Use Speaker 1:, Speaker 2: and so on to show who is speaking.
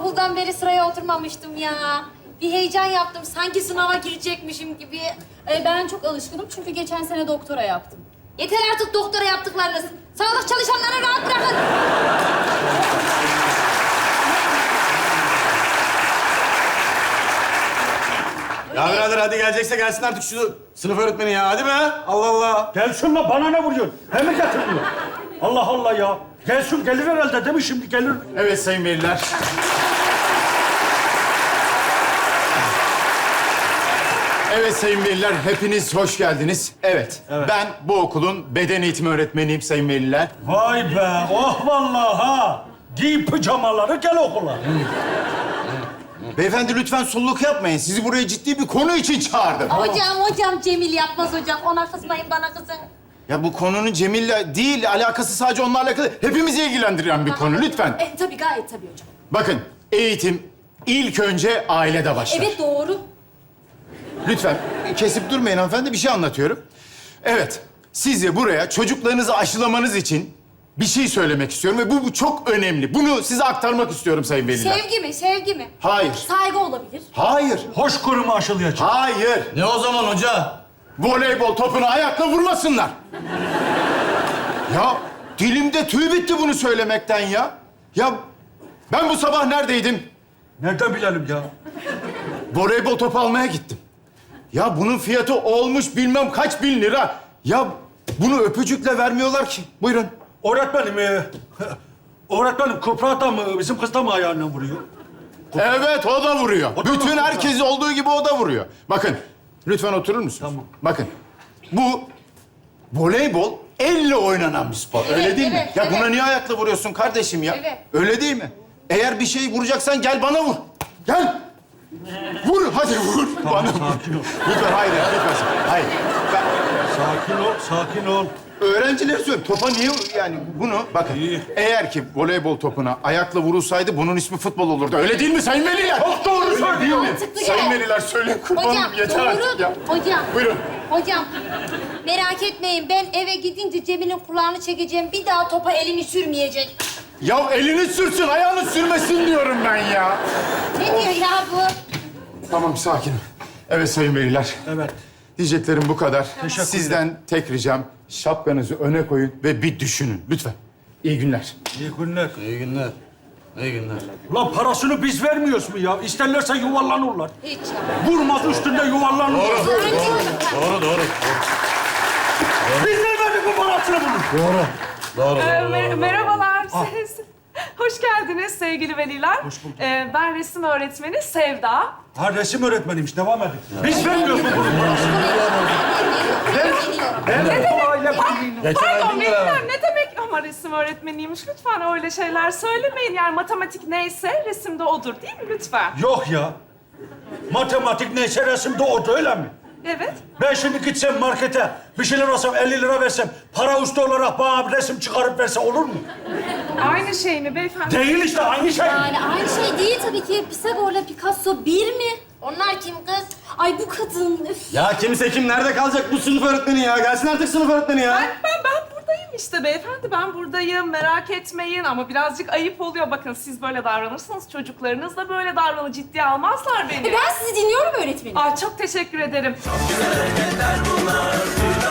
Speaker 1: İlkokuldan beri sıraya oturmamıştım ya. Bir heyecan yaptım. Sanki sınava girecekmişim gibi.
Speaker 2: Ben çok alışkınım çünkü geçen sene doktora yaptım.
Speaker 1: Yeter artık doktora yaptıklarınız. Sağlık çalışanlarını rahat bırakın.
Speaker 3: Ya birader hadi gelecekse gelsin artık şu sınıf öğretmeni ya. Hadi be. Allah Allah.
Speaker 4: Gelsin lan, bana ne vuruyorsun? Hem mi getirdin? Allah Allah ya. Gelsin, gelir herhalde değil mi şimdi? Gelir.
Speaker 3: Evet sayın veliler. Evet sayın veliler, hepiniz hoş geldiniz. Evet, ben bu okulun beden eğitimi öğretmeniyim sayın veliler.
Speaker 4: Vay be, oh vallahi ha. Giy pijamaları, gel okula.
Speaker 3: Beyefendi lütfen sulluk yapmayın. Sizi buraya ciddi bir konu için çağırdım.
Speaker 1: Hocam Cemil yapmaz hocam. Ona kızmayın, bana kızın.
Speaker 3: Ya bu konunun Cemil'le değil, alakası sadece onunla alakalı. Hepimizi ilgilendiren bir konu, lütfen.
Speaker 2: Tabii, gayet tabii hocam.
Speaker 3: Bakın, eğitim ilk önce ailede başlar.
Speaker 2: Evet, doğru.
Speaker 3: Lütfen kesip durmayın hanımefendi, bir şey anlatıyorum. Evet, size buraya çocuklarınızı aşılamanız için bir şey söylemek istiyorum ve bu çok önemli. Bunu size aktarmak istiyorum sayın veliler.
Speaker 1: Sevgi mi, sevgi mi?
Speaker 3: Hayır,
Speaker 2: Saygı olabilir.
Speaker 3: hayır,
Speaker 4: Hoşgörü mü aşılayacak?
Speaker 3: hayır.
Speaker 5: Ne o zaman hoca?
Speaker 3: Voleybol topunu ayakla vurmasınlar. Ya dilimde tüy bitti bunu söylemekten ya. Ya ben bu sabah neredeydim?
Speaker 4: Nereden bilelim ya?
Speaker 3: Voleybol topu almaya gittim. Ya bunun fiyatı olmuş bilmem kaç bin lira. Ya bunu öpücükle vermiyorlar ki. Buyurun.
Speaker 4: Öğretmenim, öğretmenim Kübra da mı, bizim kız da mı ayağından vuruyor?
Speaker 3: Evet, o da vuruyor.
Speaker 4: O da
Speaker 3: Bütün
Speaker 4: mı?
Speaker 3: herkes olduğu gibi o da vuruyor. Bakın, lütfen oturur musunuz?
Speaker 4: Tamam.
Speaker 3: Bakın, bu voleybol elle oynanan bir spor. Öyle değil mi?
Speaker 1: evet,
Speaker 3: Ya
Speaker 1: evet.
Speaker 3: buna niye ayakla vuruyorsun kardeşim ya?
Speaker 1: Evet.
Speaker 3: Öyle değil mi? Eğer bir şey vuracaksan gel bana vur. Gel. Vur, hadi vur.
Speaker 4: Tamam,
Speaker 3: bana vur.
Speaker 4: sakin ol.
Speaker 3: Lütfen, hayır, lütfen. Hayır. Ben
Speaker 4: Sakin ol, sakin ol.
Speaker 3: öğrencilere söylüyorum. Topa niye yani bunu bakın.
Speaker 4: İyi.
Speaker 3: Eğer ki voleybol topuna ayakla vurulsaydı bunun ismi futbol olurdu. Öyle değil mi sayın veliler?
Speaker 4: Çok doğru
Speaker 3: Öyle
Speaker 4: söylüyor.
Speaker 3: değil mi?
Speaker 1: Mantıklı
Speaker 3: Sayın
Speaker 1: gel.
Speaker 3: veliler söyleyin kurbanım
Speaker 1: Hocam,
Speaker 3: yeter artık ya.
Speaker 1: Hocam.
Speaker 3: Buyurun.
Speaker 1: Hocam, merak etmeyin. Ben eve gidince Cemil'in kulağını çekeceğim. Bir daha topa elini sürmeyecek.
Speaker 3: Ya elini sürsün, ayağını sürmesin diyorum ben ya.
Speaker 1: Ne diyor ya bu?
Speaker 3: Tamam, sakin. Evet sayın veliler.
Speaker 4: Evet.
Speaker 3: Diyeceklerim bu kadar.
Speaker 4: Teşekkürler.
Speaker 3: Sizden tek ricam şapkanızı öne koyun ve bir düşünün lütfen. İyi günler.
Speaker 4: İyi günler.
Speaker 5: İyi günler. İyi günler.
Speaker 4: Ulan parasını biz vermiyoruz mu ya? İsterlerse yuvarlanırlar.
Speaker 1: Hiç ya.
Speaker 4: Vurmaz üstünde yuvarlanırlar.
Speaker 5: Doğru.
Speaker 4: Biz ne verdik bu parasını bunun?
Speaker 5: Doğru.
Speaker 6: Merhabalar. Hoş geldiniz sevgili veliler.
Speaker 4: Hoş bulduk.
Speaker 6: Ben resim öğretmeni Sevda.
Speaker 4: Ha, resim öğretmeniymiş, devam edin. Biz vermiyoruz mu bunun parasını? Ben bu aile birliğine...
Speaker 6: Pardon veliler ne demek ama resim öğretmeniymiş. Lütfen öyle şeyler söylemeyin. Yani matematik neyse resimde odur değil mi lütfen?
Speaker 4: Yok ya. Matematik neyse resimde o, öyle mi?
Speaker 6: Evet.
Speaker 4: Ben şimdi gitsem markete, bir şeyler alsam, 50 lira versem, para üstü olarak bana bir resim çıkarıp verse olur mu?
Speaker 6: Aynı şey mi beyefendi?
Speaker 4: Değil işte, aynı şey.
Speaker 2: Yani aynı şey değil tabii ki. Pisagor'la Picasso bir mi?
Speaker 1: Onlar kim kız?
Speaker 2: Ay bu kadın, üf.
Speaker 3: Ya kimse kim nerede kalacak bu sınıf öğretmeni ya? Gelsin artık sınıf öğretmeni ya.
Speaker 6: Ben buradayım işte beyefendi. Ben buradayım. Merak etmeyin ama birazcık ayıp oluyor. Bakın siz böyle davranırsanız çocuklarınız da böyle davranır. Ciddiye almazlar beni.
Speaker 2: Ben sizi dinliyorum öğretmenim.
Speaker 6: Aa, çok teşekkür ederim.
Speaker 7: Yeter bunlar